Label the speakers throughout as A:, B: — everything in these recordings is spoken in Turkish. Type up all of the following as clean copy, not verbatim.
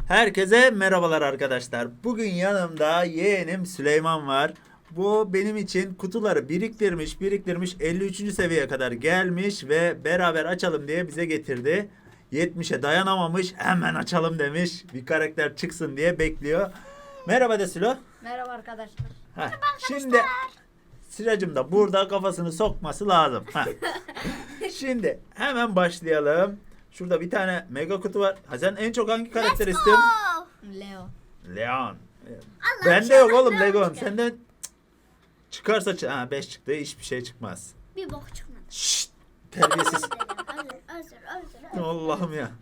A: Herkese merhabalar arkadaşlar. Bugün yanımda yeğenim Süleyman var. Bu benim için kutuları biriktirmiş 53. seviyeye kadar gelmiş ve beraber açalım diye bize getirdi. 70'e dayanamamış, hemen açalım demiş. Bir karakter çıksın diye bekliyor. Merhaba de Sülo.
B: Merhaba arkadaşlar.
A: Heh, şimdi Sıracım da burada kafasını sokması lazım. Şimdi hemen başlayalım. Şurada bir tane mega kutu var. Ha, sen en çok hangi karakter istiyorsun?
B: Leo.
A: Leon. Bende yok oğlum Leon. Senden çıkarsa 5 çıktı. Hiçbir şey çıkmaz.
C: Bir bok çıkmadı.
A: Şşt, terbiyesiz.
C: Özür.
A: Allah'ım ya.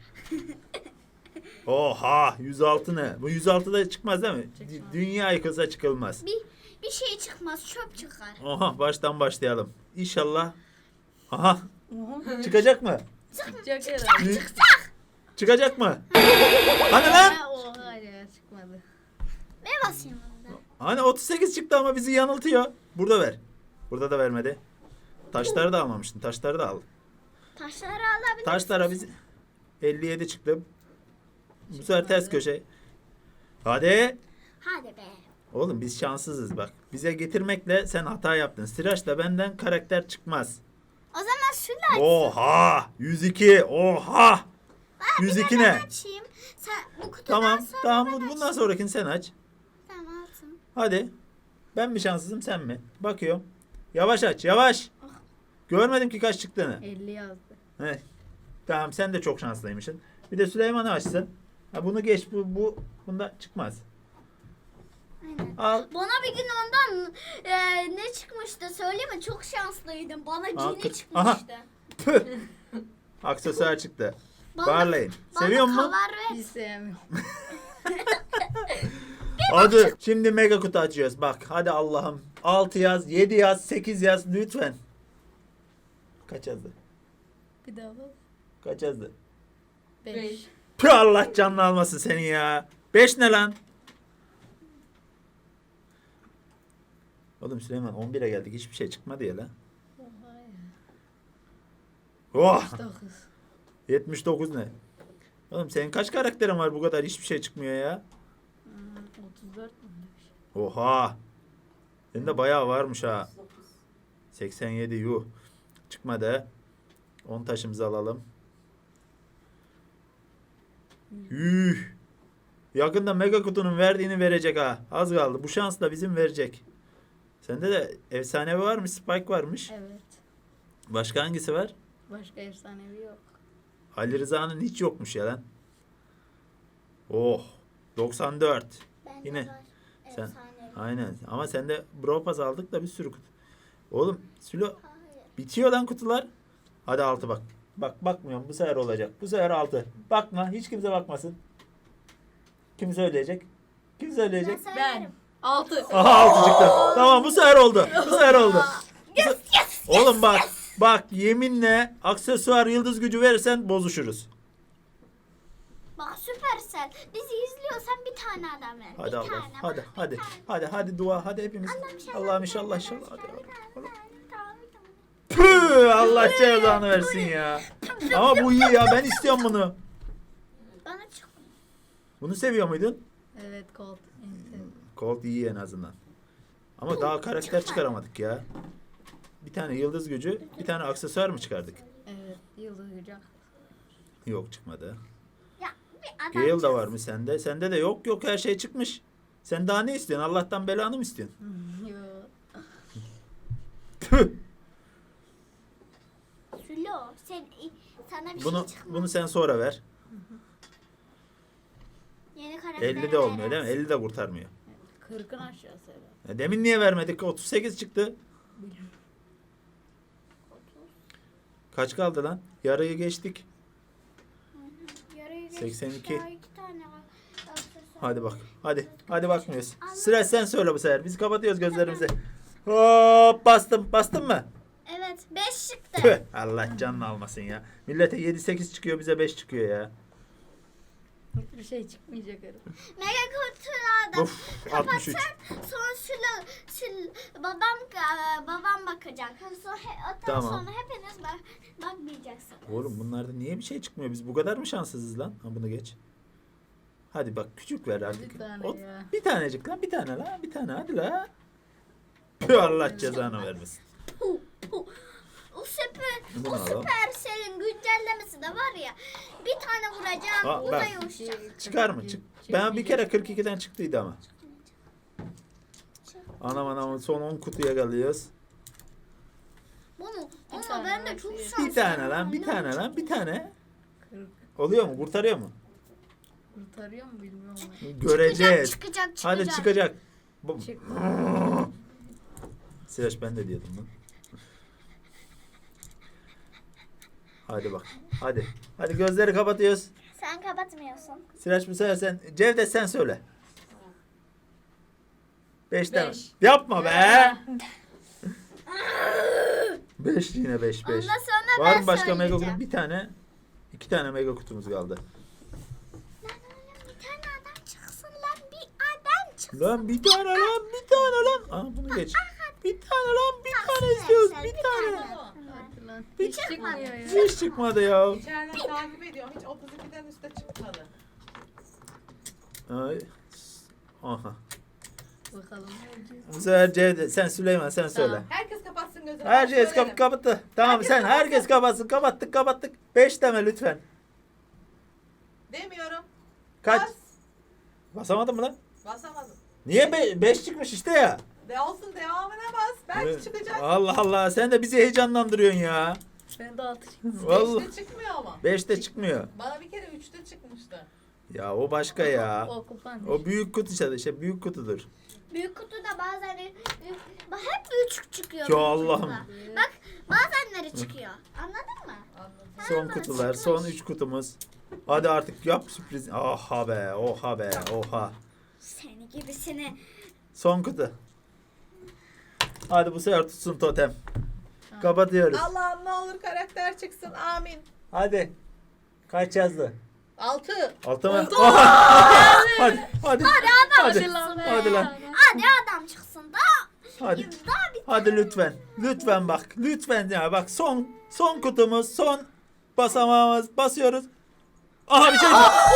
A: Oha 106 ne? Bu 106 da çıkmaz değil mi?
B: Çıkmaz.
A: Dünya yıkılsa çıkılmaz.
C: Bir şey çıkmaz, çöp çıkar.
A: Oha baştan başlayalım. İnşallah. Aha çıkacak mı?
B: Çıkacak herhalde.
A: Çıkacak mı? Hani lan?
B: Oha ya çıkmadı.
C: Ben basayım onu da.
A: Hani 38 çıktı ama bizi yanıltıyor. Burada ver. Burada da vermedi. Taşları da almamıştın. Taşları da al.
C: Taşları alabilir.
A: Taşlara biz 57 çıktı. Bu sefer ters köşe. Hadi.
C: Hadi be.
A: Oğlum biz şanssızız bak. Bize getirmekle sen hata yaptın. Sıraçla benden karakter çıkmaz.
C: O zaman şunu
A: Oha! 102. Oha! 102 ne?
C: açayım. Sen bu kutudan
A: Tamam.
C: sonra
A: Tamam.
C: ben
A: Bundan
C: açayım.
A: sonrakini sen aç.
C: Tamam alsın.
A: Hadi. Ben mi şanssızım sen mi? Bakıyorum. Yavaş aç. Yavaş. Görmedim ki kaç çıktığını.
B: 50 yazdı.
A: He. Tamam sen de çok şanslıymışsın. Bir de Süleyman'ı açsın. Ha, bunu geç. Bunda çıkmaz.
C: Aynen.
A: Al.
C: Bana bir gün ondan ne çıkmıştı söyleyeyim mi? Çok şanslıydım. Bana cini
A: kız-
C: çıkmıştı.
A: Tüh. Aksesuar çıktı.
C: Bana-
A: Barlayın.
C: Bana
A: Seviyor musun?
C: kavar
B: Hiç
C: ve
B: sevmiyorum.
A: Hadi. Şimdi mega kutu açıyoruz. Bak hadi Allah'ım. 6 yaz, 7 yaz, 8 yaz lütfen. Kaç yazdı?
B: Bir daha bak.
A: Kaç yazdı?
B: 5.
A: Tüh Allah canını almasın seni ya. 5 ne lan? Oğlum Süleyman 11'e geldik. Hiçbir şey çıkmadı ya lan.
B: Oha ya.
A: Oh!
B: 9.
A: 79 ne? Oğlum senin kaç karakterin var bu kadar hiçbir şey çıkmıyor ya?
B: 34 mü demiş?
A: Oha! Senin de bayağı varmış ha. 87 yuh. Çıkmadı. 10 taşımızı alalım. Yuh. Yakında mega kutunun verdiğini verecek ha. Az kaldı. Bu şans da bizim verecek. Sende de efsanevi varmış, Spike varmış.
B: Evet.
A: Başka hangisi var?
B: Başka efsanevi yok.
A: Ali Rıza'nın hiç yokmuş ya lan. Oh. 94.
C: bende
A: Yine.
C: var.
A: Sen-
C: Efsanevi.
A: Aynen. Ama sende Brawl Pass aldık da bir sürü kutu. Oğlum Sülo
C: Hayır.
A: bitiyor lan kutular. Hadi 6 bak. Bak bakmıyorum. Bu sefer olacak. Bu sefer 6. Bakma. Hiç kimse bakmasın. Kim söyleyecek? Kim söyleyecek?
C: Ben
B: Ben.
C: söylerim.
B: 6.
A: Aha 6 çıktı. Tamam bu sefer oldu. Bu sefer oldu. Oğlum bak. Bak yeminle aksesuar yıldız gücü verirsen bozuşuruz.
C: Bak Süpersel. Bizi izliyorsan bir tane adam ver.
A: Hadi
C: bir
A: Allah.
C: tane.
A: Hadi
C: bak,
A: hadi.
C: bir tane.
A: Hadi dua. Hadi hepimiz. Allah'ım inşallah inşallah. Hadi.
C: Tamam.
A: Püh, Allah cezanı versin ya. Ama bu iyi ya. Ben istiyorum bunu.
C: Bana çık.
A: Bunu seviyor muydun?
B: Evet Colt. En sevdiğim.
A: Colt iyi en azından. Ama daha karakter çıkaramadık ya. Bir tane yıldız gücü, bir tane aksesuar mı çıkardık?
B: Evet. Yıldız gücü.
A: Yok çıkmadı.
C: Ya bir adam
A: Gale da
C: çıksın.
A: var mı sende? Sende de yok her şey çıkmış. Sen daha ne istiyorsun? Allah'tan belanı mı istiyorsun?
B: Yok.
A: Tüh!
C: Sülo sana bir
A: Bunu
C: şey çıkmaz.
A: bunu sen sonra ver.
C: Yeni karakter
A: 50 de olmuyor değil mi? 50 de kurtarmıyor.
B: 40'ın aşağısı herhalde.
A: Demin niye vermedik? 38 çıktı.
B: Bilmiyorum.
A: Kaç kaldı lan? Yarıyı geçtik.
C: Yarıyı geçtik,
A: 82.
C: daha iki tane var. Aksesuar.
A: Hadi bak. Hadi bakmıyoruz. Sıra sen söyle bu sefer. Biz kapatıyoruz gözlerimizi. Hop bastım. Bastın mı?
C: Evet 5 çıktı.
A: Tüh, Allah canını almasın ya. Millete 7-8 çıkıyor bize 5 çıkıyor ya.
B: Bir şey çıkmayacak herhalde.
C: Mega kutularda
A: Of 63.
C: sonra babam bakacak. Sonra,
A: Tamam.
C: sonra hepiniz bakmayacaksınız.
A: Oğlum bunlarda niye bir şey çıkmıyor? Biz bu kadar mı şanssızız lan? Ha bunu geç. Hadi bak küçük ver artık.
B: Bir tane ya.
A: Bir tanecik lan, bir tane lan, bir tane hadi la. Tüh, Allah cezanı vermesin.
C: O süper,
A: Bunu
C: o
A: alalım.
C: Supercell'in güncellemesi de var ya. Bir tane vuracağım,
A: Aa,
C: o da
A: ben-
C: yumuşacak.
A: Çıkar mı? Ben bir kere 42'den çıktıydı ama. Anam son 10 kutuya kalıyoruz.
C: Bunu,
B: Bir
C: ama
B: tane
C: ben de
B: var,
C: çok
B: bir
C: şanslıyım.
A: Bir tane lan, bir
C: Ne
A: tane
C: olacak?
A: lan, bir tane.
B: Kırk.
A: Oluyor mu? Kurtarıyor mu?
B: Kurtarıyor mu bilmiyorum ama.
A: Göreceğiz.
C: Çıkacak.
A: Hadi çıkacak.
B: Çıkma.
A: Sıraç ben de diyordum lan. Hadi bak. Hadi. Hadi gözleri kapatıyoruz.
C: Sen kapatmıyorsun.
A: Sıraç bu sefer sen. Cevdet sen söyle. 5 tane.
B: Beş.
A: Yapma be. 5 yine 5 5.
C: Ondan sonra
A: Var
C: ben
A: mı başka mega
C: söyleyeceğim.
A: kutu? Bir tane. 2 tane mega kutumuz kaldı.
C: Bir tane adam çıksın lan, bir adam çıksın.
A: Lan bir tane lan, bir tane lan. Aa bunu geç. Bir tane lan, bir tane istiyoruz. Bir tane.
B: Hadi lan.
A: Bir
B: Hiç
C: çıkmadı.
B: çıkmıyor ya.
A: Hiç çıkmadı ya.
D: İçeriden takip ediyorum. Hiç 32'den üstte çıkmadı.
A: Ay. Aha.
B: Bakalım ne olacak.
A: Bu sefer Cevdet, sen Süleyman sen söyle.
B: Tamam.
D: Herkes kapatsın gözünü.
A: Herkes
D: Söylerim.
A: kapattı. Tamam
D: Herkes
A: sen
D: kapatsın.
A: herkes kapatsın. Kapattık. 5 deme lütfen.
D: Demiyorum.
A: Kaç?
D: Bas.
A: Basamadın mı lan?
D: Basamadım.
A: Niye 5 çıkmış işte ya?
D: De olsun devamına bas. Belki
A: Evet.
D: çıkacak.
A: Allah Allah sen de bizi heyecanlandırıyorsun ya.
B: Ben de 6 çıktım.
A: Vallahi
D: 5'te çıkmıyor ama.
A: 5'te çıkmıyor.
D: Bana bir kere 3'te çıkmıştı.
A: Ya o başka ya.
B: O kupan.
A: O büyük kutu işte büyük kutudur.
C: Büyük kutuda bazen hep küçük çıkıyor.
A: Ya
C: büyük
A: Allah'ım.
C: kutuda. Bak bazenleri çıkıyor. Anladın mı?
D: Anladım.
A: Son kutular, son 3 kutumuz. Hadi artık yap sürpriz. Oha be, oha.
C: Seni gibisini.
A: Son kutu. Hadi bu sefer tutsun totem. Kapatıyoruz.
D: Allah'ım ne olur karakter çıksın. Amin.
A: Hadi. Kaç yazdı?
D: 6.
A: 6 mı? Hadi. Hadi
B: Hadi lan be.
A: Hadi lan.
C: Hadi adam çıksın da.
A: Hadi.
C: Daha bir
A: Hadi lütfen. Lütfen bak. Lütfen ya bak son kutumuz, son basamağımız. Basıyoruz. Aha bir şey.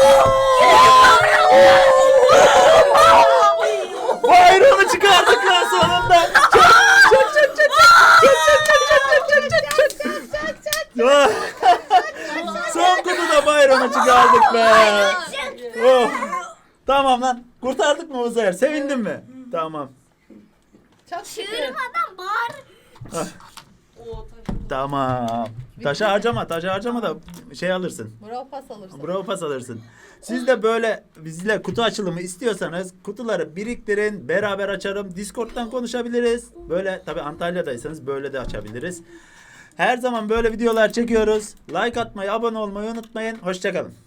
A: Bayronu çıkardık lan sonunda. Son kutuda bayronu çıkardık be. Oh. Tamam lan. Kurtardık mı bu sefer? Sevindin mi? Tamam.
D: Çok şükür.
C: çığırmadan bağır.
D: Oo, tabii.
A: Tamam. Taşı harcama da şey alırsın.
D: Bravo pas alırsın.
A: Bravo pas alırsın. Siz de böyle bizle kutu açılımı istiyorsanız kutuları biriktirin. Beraber açarım. Discord'dan konuşabiliriz. Böyle tabi Antalya'daysanız böyle de açabiliriz. Her zaman böyle videolar çekiyoruz. Like atmayı, abone olmayı unutmayın. Hoşçakalın.